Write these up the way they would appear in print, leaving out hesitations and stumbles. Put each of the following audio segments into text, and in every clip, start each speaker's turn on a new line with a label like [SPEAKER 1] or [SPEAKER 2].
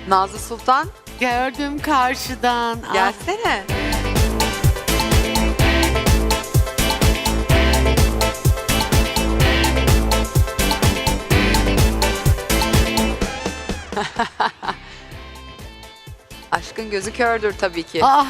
[SPEAKER 1] Nazlı Sultan
[SPEAKER 2] Gördüm karşıdan. Ah,
[SPEAKER 1] gelsene. Aşkın gözü kördür tabii ki.
[SPEAKER 2] ah,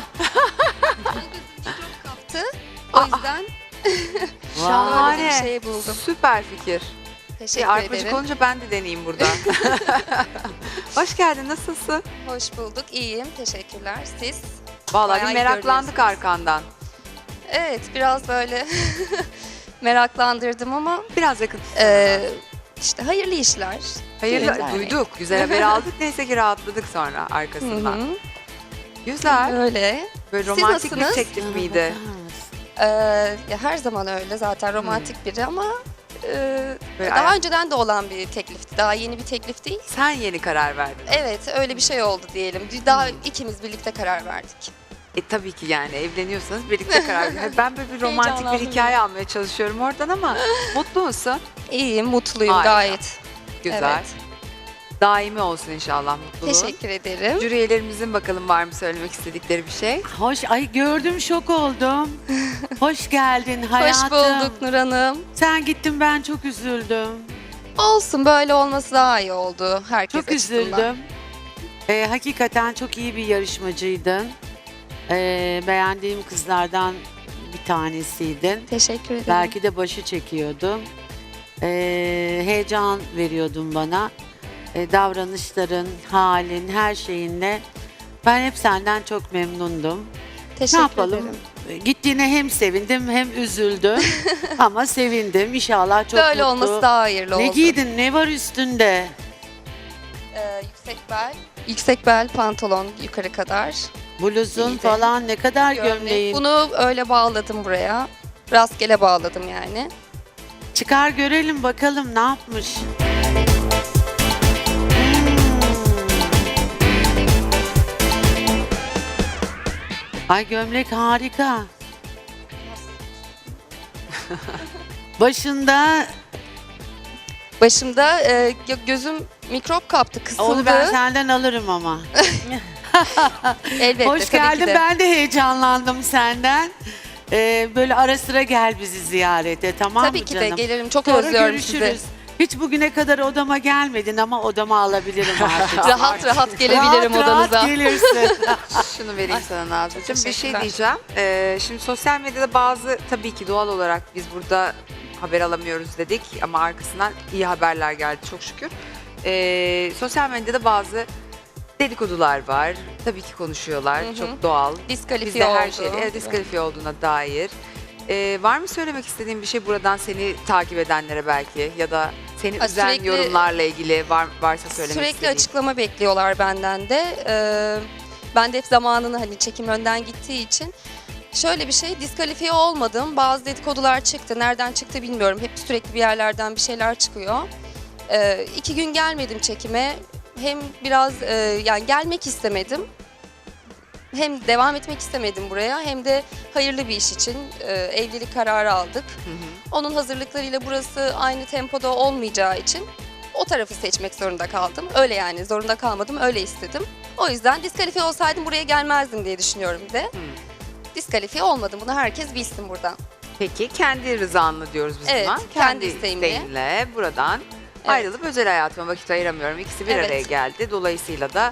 [SPEAKER 3] Çok kaptı. O yüzden
[SPEAKER 1] Şahane.
[SPEAKER 3] böyle bir şey buldum.
[SPEAKER 1] Süper fikir.
[SPEAKER 3] Teşekkür
[SPEAKER 1] Arpacık
[SPEAKER 3] ederim.
[SPEAKER 1] olunca ben de deneyeyim burada. Hoş geldin, nasılsın?
[SPEAKER 3] Hoş bulduk. İyiyim. Teşekkürler. Siz?
[SPEAKER 1] Vallahi
[SPEAKER 3] Bayağı
[SPEAKER 1] bir
[SPEAKER 3] iyi
[SPEAKER 1] meraklandık
[SPEAKER 3] görünüyorsunuz.
[SPEAKER 1] arkandan.
[SPEAKER 3] Evet, biraz böyle meraklandırdım ama
[SPEAKER 1] Biraz yakın.
[SPEAKER 3] işte hayırlı işler.
[SPEAKER 1] Hayırlı,
[SPEAKER 3] güzel.
[SPEAKER 1] duyduk. Güzel haber aldık. Neyse ki rahatladık sonra
[SPEAKER 3] Hı
[SPEAKER 1] arkasından.
[SPEAKER 3] hı.
[SPEAKER 1] Güzel.
[SPEAKER 3] Böyle.
[SPEAKER 1] Böyle
[SPEAKER 3] Siz
[SPEAKER 1] romantik bir
[SPEAKER 3] nasılsınız?
[SPEAKER 1] teklif miydi?
[SPEAKER 3] Ya her zaman öyle zaten romantik biri ama
[SPEAKER 1] Böyle
[SPEAKER 3] daha
[SPEAKER 1] ayak-
[SPEAKER 3] önceden de olan bir teklifti. Daha yeni bir teklif değil.
[SPEAKER 1] Sen yeni karar verdin.
[SPEAKER 3] Evet, öyle bir şey oldu diyelim. Daha ikimiz birlikte karar verdik.
[SPEAKER 1] Tabii ki yani evleniyorsanız birlikte karar verin. Ben böyle bir romantik bir
[SPEAKER 3] Heyecanlandım.
[SPEAKER 1] hikaye almaya çalışıyorum oradan ama mutlu musun?
[SPEAKER 3] İyiyim, mutluyum
[SPEAKER 1] Harika.
[SPEAKER 3] gayet.
[SPEAKER 1] Güzel.
[SPEAKER 3] Evet.
[SPEAKER 1] Daimi olsun inşallah mutluluğun.
[SPEAKER 3] Teşekkür ederim.
[SPEAKER 1] Jüri üyelerimizin bakalım var mı söylemek istedikleri bir şey?
[SPEAKER 2] hoş, ay gördüm şok oldum. Hoş geldin hayatım.
[SPEAKER 3] Hoş bulduk Nur Hanım.
[SPEAKER 2] Sen gittin ben çok üzüldüm.
[SPEAKER 3] Olsun, böyle olması daha iyi oldu herkes
[SPEAKER 2] Çok
[SPEAKER 3] açısından.
[SPEAKER 2] üzüldüm. Hakikaten çok iyi bir yarışmacıydın. Beğendiğim kızlardan bir tanesiydin.
[SPEAKER 3] Teşekkür ederim.
[SPEAKER 2] Belki de başı çekiyordum. Heyecan veriyordun bana. Davranışların, halin, her şeyinle. Ben hep senden çok memnundum.
[SPEAKER 3] Teşekkür
[SPEAKER 2] Ne yapalım?
[SPEAKER 3] ederim.
[SPEAKER 2] Gittiğine hem sevindim hem üzüldüm. Ama sevindim. İnşallah çok
[SPEAKER 3] Böyle
[SPEAKER 2] mutlu.
[SPEAKER 3] olması daha hayırlı
[SPEAKER 2] Ne
[SPEAKER 3] oldu.
[SPEAKER 2] giydin? Ne var üstünde?
[SPEAKER 3] Yüksek bel pantolon yukarı kadar.
[SPEAKER 2] Bluzun
[SPEAKER 3] Giydim.
[SPEAKER 2] falan ne kadar
[SPEAKER 3] Gömlek.
[SPEAKER 2] gömleğin.
[SPEAKER 3] Bunu öyle bağladım buraya. Rastgele bağladım yani.
[SPEAKER 2] Çıkar görelim bakalım ne yapmış. Ay gömlek harika. Başında
[SPEAKER 3] Başımda gözüm mikrop kaptı, kısıldı.
[SPEAKER 2] onu ben senden alırım ama.
[SPEAKER 3] Elbette,
[SPEAKER 2] Hoş
[SPEAKER 3] tabii
[SPEAKER 2] geldin.
[SPEAKER 3] ki de.
[SPEAKER 2] Ben de heyecanlandım senden. Böyle ara sıra gel bizi ziyarete, tamam
[SPEAKER 3] Tabii
[SPEAKER 2] mı
[SPEAKER 3] ki
[SPEAKER 2] canım?
[SPEAKER 3] de gelirim. Çok
[SPEAKER 2] Sonra
[SPEAKER 3] özlüyorum
[SPEAKER 2] görüşürüz.
[SPEAKER 3] sizi.
[SPEAKER 2] Hiç bugüne kadar odama gelmedin ama odama alabilirim artık.
[SPEAKER 3] Rahat rahat gelebilirim
[SPEAKER 2] rahat,
[SPEAKER 3] odanıza.
[SPEAKER 2] Rahat gelirsin.
[SPEAKER 1] Şunu vereyim sana Nazlı'cığım. Bir şey
[SPEAKER 3] teşekkürler.
[SPEAKER 1] diyeceğim. Şimdi sosyal medyada bazı tabii ki doğal olarak biz burada haber alamıyoruz dedik ama arkasından iyi haberler geldi çok şükür. Sosyal medyada bazı dedikodular var. Tabii ki konuşuyorlar.
[SPEAKER 3] Hı hı.
[SPEAKER 1] Çok doğal.
[SPEAKER 3] Diskalifiye
[SPEAKER 1] Bizde her
[SPEAKER 3] oldu.
[SPEAKER 1] şey diskalifiye olduğuna dair. Var mı söylemek istediğin bir şey buradan seni takip edenlere belki ya da seni
[SPEAKER 3] Ha,
[SPEAKER 1] üzen
[SPEAKER 3] sürekli-
[SPEAKER 1] yorumlarla ilgili varsa söylemek
[SPEAKER 3] Sürekli
[SPEAKER 1] istediğin.
[SPEAKER 3] açıklama bekliyorlar benden de. Ben de hep zamanını hani çekim önden gittiği için. Şöyle bir şey, diskalifiye olmadım. Bazı dedikodular çıktı. Nereden çıktı bilmiyorum. Hep sürekli bir yerlerden bir şeyler çıkıyor. 2 gün gelmedim çekime. Hem biraz yani gelmek istemedim. Hem devam etmek istemedim buraya hem de hayırlı bir iş için evlilik kararı aldık.
[SPEAKER 1] Hı hı.
[SPEAKER 3] Onun hazırlıklarıyla burası aynı tempoda olmayacağı için o tarafı seçmek zorunda kaldım. Öyle yani zorunda kalmadım, öyle istedim. O yüzden diskalifiye olsaydım buraya gelmezdim diye düşünüyorum bir de. Diskalifiye olmadım, bunu herkes bilsin buradan.
[SPEAKER 1] Peki kendi rızanla diyoruz biz
[SPEAKER 3] Evet,
[SPEAKER 1] buna.
[SPEAKER 3] kendi isteğimle.
[SPEAKER 1] isteğinle buradan
[SPEAKER 3] Evet.
[SPEAKER 1] ayrılıp özel hayatıma vakit ayıramıyorum. İkisi bir
[SPEAKER 3] Evet.
[SPEAKER 1] araya geldi. Dolayısıyla da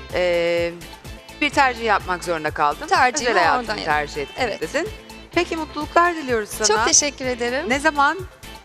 [SPEAKER 1] bir tercih yapmak zorunda kaldım.
[SPEAKER 3] Tercihimi
[SPEAKER 1] özel hayatımı
[SPEAKER 3] oradan
[SPEAKER 1] tercih ettim
[SPEAKER 3] Evet.
[SPEAKER 1] dedin. Peki mutluluklar diliyoruz sana.
[SPEAKER 3] Çok teşekkür ederim.
[SPEAKER 1] Ne zaman?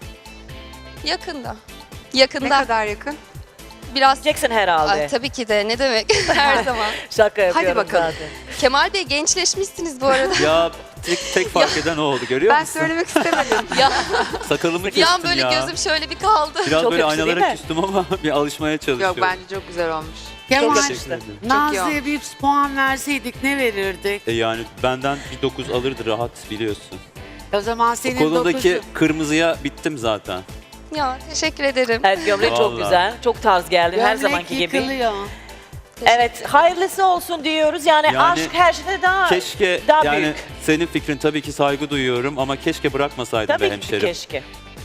[SPEAKER 3] Yakında.
[SPEAKER 1] Ne
[SPEAKER 3] Yakında.
[SPEAKER 1] kadar yakın?
[SPEAKER 3] Biraz
[SPEAKER 4] Jackson herhalde.
[SPEAKER 3] Ay, tabii ki de ne demek her zaman.
[SPEAKER 4] Şaka yapıyorum
[SPEAKER 1] bakalım.
[SPEAKER 4] zaten.
[SPEAKER 3] Kemal Bey gençleşmişsiniz bu arada.
[SPEAKER 5] Ya tek fark eden o oldu görüyor
[SPEAKER 1] Ben
[SPEAKER 5] musun?
[SPEAKER 1] söylemek istemedim.
[SPEAKER 3] ya
[SPEAKER 5] Sakalımı
[SPEAKER 3] bir
[SPEAKER 5] kestim
[SPEAKER 3] an böyle
[SPEAKER 5] ya.
[SPEAKER 3] gözüm şöyle bir kaldı.
[SPEAKER 5] Biraz
[SPEAKER 4] Çok
[SPEAKER 5] böyle
[SPEAKER 4] yakıştı değil
[SPEAKER 5] aynalara
[SPEAKER 4] mi?
[SPEAKER 5] küstüm ama bir alışmaya çalışıyorum.
[SPEAKER 1] Yok bence çok güzel olmuş.
[SPEAKER 2] Kemal,
[SPEAKER 4] yakıştı.
[SPEAKER 5] Teşekkür ederim.
[SPEAKER 2] Nazlı'ya bir puan verseydik ne verirdik?
[SPEAKER 5] Yani benden bir 9 alırdı rahat biliyorsun.
[SPEAKER 2] O zaman
[SPEAKER 5] O
[SPEAKER 2] senin
[SPEAKER 5] konudaki
[SPEAKER 2] 9'u.
[SPEAKER 5] kırmızıya bittim zaten.
[SPEAKER 3] Ya teşekkür ederim.
[SPEAKER 4] Evet gömlek çok
[SPEAKER 5] Vallahi.
[SPEAKER 4] güzel. Çok tarz geldi her
[SPEAKER 2] Gömlek
[SPEAKER 4] zamanki gibi.
[SPEAKER 2] yıkılıyor.
[SPEAKER 4] Evet hayırlısı olsun diyoruz. Yani aşk her şeyde daha
[SPEAKER 5] Keşke
[SPEAKER 4] daha
[SPEAKER 5] yani
[SPEAKER 4] büyük.
[SPEAKER 5] senin fikrin tabii ki saygı duyuyorum ama keşke bırakmasaydın
[SPEAKER 4] Tabii
[SPEAKER 5] be
[SPEAKER 4] ki
[SPEAKER 5] hemşerim.
[SPEAKER 4] keşke.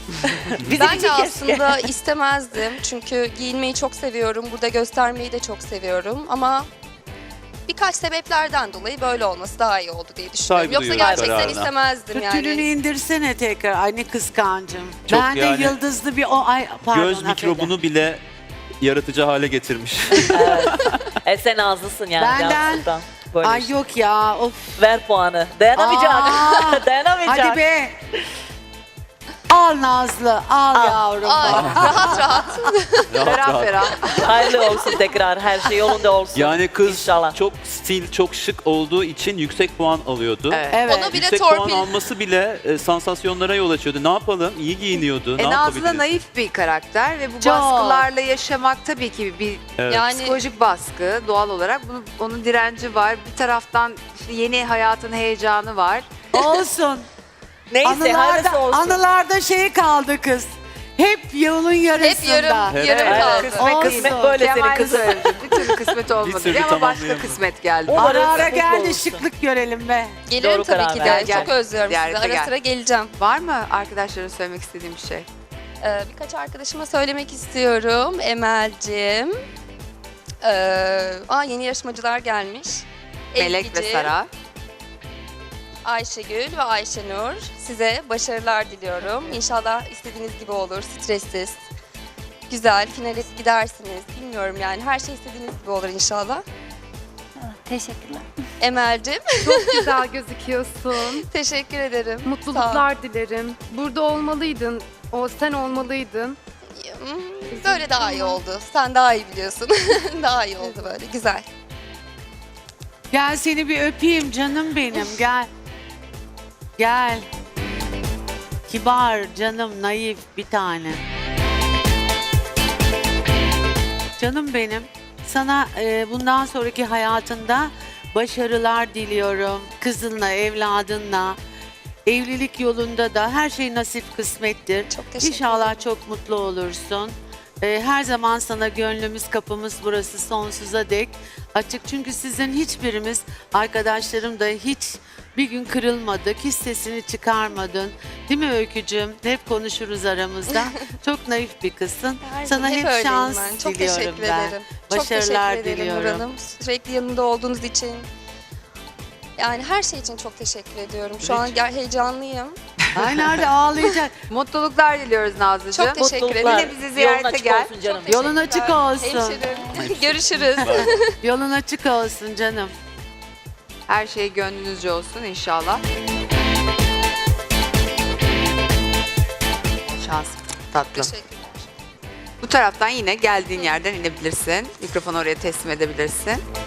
[SPEAKER 4] Bizim
[SPEAKER 3] Ben de
[SPEAKER 4] için keşke.
[SPEAKER 3] aslında istemezdim. Çünkü giyinmeyi çok seviyorum. Burada göstermeyi de çok seviyorum. Ama birkaç sebeplerden dolayı böyle olması daha iyi oldu diye düşünüyorum.
[SPEAKER 5] Saygı
[SPEAKER 3] Yoksa
[SPEAKER 5] duyuyorum
[SPEAKER 3] gerçekten
[SPEAKER 5] kararına.
[SPEAKER 3] istemezdim
[SPEAKER 2] Tütününü
[SPEAKER 3] yani.
[SPEAKER 2] indirsene tekrar. Ay ne kıskancım.
[SPEAKER 5] Çok
[SPEAKER 2] Ben de
[SPEAKER 5] yani-
[SPEAKER 2] yıldızlı bir pardon.
[SPEAKER 5] Göz mikrobunu bile yaratıcı hale getirmiş.
[SPEAKER 4] Sen nazlısın yani.
[SPEAKER 2] Benden-
[SPEAKER 4] Cansu'dan. Böyle
[SPEAKER 2] Ay
[SPEAKER 4] işte.
[SPEAKER 2] yok ya. Of.
[SPEAKER 4] Ver puanı. Dayanamayacak.
[SPEAKER 2] Aa,
[SPEAKER 4] Dayanamayacak.
[SPEAKER 2] Hadi be. Al Nazlı, al yavrum.
[SPEAKER 3] Ay, rahat rahat.
[SPEAKER 1] Ferah ferah.
[SPEAKER 4] Hayırlı olsun tekrar. Her şey yolunda olsun.
[SPEAKER 5] Yani kız
[SPEAKER 4] İnşallah.
[SPEAKER 5] çok stil, çok şık olduğu için yüksek puan alıyordu.
[SPEAKER 1] Evet.
[SPEAKER 2] Evet.
[SPEAKER 3] Onu bile
[SPEAKER 5] Yüksek puan
[SPEAKER 3] torpil.
[SPEAKER 5] alması bile sansasyonlara yol açıyordu. Ne yapalım? İyi giyiniyordu. Ne
[SPEAKER 1] Nazlı da
[SPEAKER 5] yapabiliriz?
[SPEAKER 1] naif bir karakter ve bu
[SPEAKER 2] Çok.
[SPEAKER 1] baskılarla yaşamak tabii ki bir
[SPEAKER 5] Evet.
[SPEAKER 3] Yani
[SPEAKER 1] psikolojik baskı doğal olarak. Onun direnci var. Bir taraftan işte yeni hayatın heyecanı var.
[SPEAKER 2] Olsun.
[SPEAKER 4] Neyse hayırlısı olsun.
[SPEAKER 2] Anılarda şey kaldı kız. Hep yolun yarısında.
[SPEAKER 3] hep yarım
[SPEAKER 5] Evet.
[SPEAKER 3] yarım
[SPEAKER 4] Evet,
[SPEAKER 3] kaldı.
[SPEAKER 4] kısmet
[SPEAKER 2] Olsun.
[SPEAKER 4] kısmet böyle senin
[SPEAKER 1] Kemal
[SPEAKER 4] kızın.
[SPEAKER 1] söyledi. Bir türlü kısmet olmadı
[SPEAKER 5] türlü
[SPEAKER 1] diye ama başka
[SPEAKER 5] tamamlayamadım.
[SPEAKER 1] kısmet geldi.
[SPEAKER 4] O-
[SPEAKER 2] Ara ara
[SPEAKER 4] Umarım
[SPEAKER 2] gel de
[SPEAKER 4] mutlu olsun.
[SPEAKER 2] şıklık görelim be.
[SPEAKER 3] Gelirim
[SPEAKER 4] Doğru
[SPEAKER 3] tabii
[SPEAKER 4] karar
[SPEAKER 3] ki
[SPEAKER 1] ver.
[SPEAKER 3] de. Çok
[SPEAKER 1] Gel.
[SPEAKER 3] özlüyorum sizi.
[SPEAKER 1] Ziyarete
[SPEAKER 3] Ara
[SPEAKER 1] gel.
[SPEAKER 3] sıra geleceğim.
[SPEAKER 1] Var mı arkadaşların söylemek istediğim bir şey?
[SPEAKER 3] Birkaç arkadaşıma söylemek istiyorum. Emel'cim. Yeni yarışmacılar gelmiş.
[SPEAKER 1] Melek ve
[SPEAKER 3] Ezgi'cim,
[SPEAKER 1] Sara.
[SPEAKER 3] Ayşegül ve Ayşenur. Size başarılar diliyorum. İnşallah istediğiniz gibi olur. Stressiz. Güzel. Finale gidersiniz. Bilmiyorum yani. Her şey istediğiniz gibi olur inşallah.
[SPEAKER 6] Teşekkürler.
[SPEAKER 3] Emel'cim.
[SPEAKER 7] Çok güzel gözüküyorsun.
[SPEAKER 3] Teşekkür ederim. Sağ ol.
[SPEAKER 7] Mutluluklar dilerim. Burada olmalıydın. O sen olmalıydın.
[SPEAKER 3] Böyle daha iyi oldu. Sen daha iyi biliyorsun. Daha iyi oldu böyle. Güzel.
[SPEAKER 2] Gel seni bir öpeyim canım benim gel. Gel. Kibar canım naif bir tane. Canım benim. Sana bundan sonraki hayatında başarılar diliyorum. Kızınla, evladınla. Evlilik yolunda da her şey nasip kısmettir.
[SPEAKER 3] Çok teşekkür
[SPEAKER 2] İnşallah çok mutlu olursun. Her zaman sana gönlümüz, kapımız burası sonsuza dek açık. Çünkü sizin hiçbirimiz, arkadaşlarım da hiç bir gün kırılmadık, hiç sesini çıkarmadın. Değil mi Öykücüğüm? Hep konuşuruz aramızda. Çok naif bir kızsın.
[SPEAKER 3] Her
[SPEAKER 2] Sana
[SPEAKER 3] zaman
[SPEAKER 2] hep
[SPEAKER 3] öyleyim
[SPEAKER 2] şans
[SPEAKER 3] ben. Çok
[SPEAKER 2] diliyorum
[SPEAKER 3] teşekkür
[SPEAKER 2] ben.
[SPEAKER 3] ederim.
[SPEAKER 2] Başarılar
[SPEAKER 3] çok teşekkür ederim Nur
[SPEAKER 2] diliyorum.
[SPEAKER 3] Hanım. Sürekli yanında olduğunuz için. Yani her şey için çok teşekkür ediyorum. Şu an heyecanlıyım.
[SPEAKER 2] Ay nerede ağlayacak?
[SPEAKER 1] Mutluluklar diliyoruz Nazlıcığım.
[SPEAKER 3] Çok teşekkür ederim.
[SPEAKER 2] Mutluluklar.
[SPEAKER 1] Yine bizi ziyarete
[SPEAKER 4] Yolun açık
[SPEAKER 1] gel.
[SPEAKER 4] olsun canım.
[SPEAKER 3] Çok
[SPEAKER 2] Yolun açık
[SPEAKER 3] teşekkürler.
[SPEAKER 2] olsun.
[SPEAKER 3] Hemşerim. Görüşürüz.
[SPEAKER 2] Yolun açık olsun canım.
[SPEAKER 1] Her şey gönlünüzce olsun inşallah. Şans tatlım.
[SPEAKER 3] Teşekkürler.
[SPEAKER 1] Bu taraftan yine geldiğin yerden inebilirsin. Mikrofonu oraya teslim edebilirsin.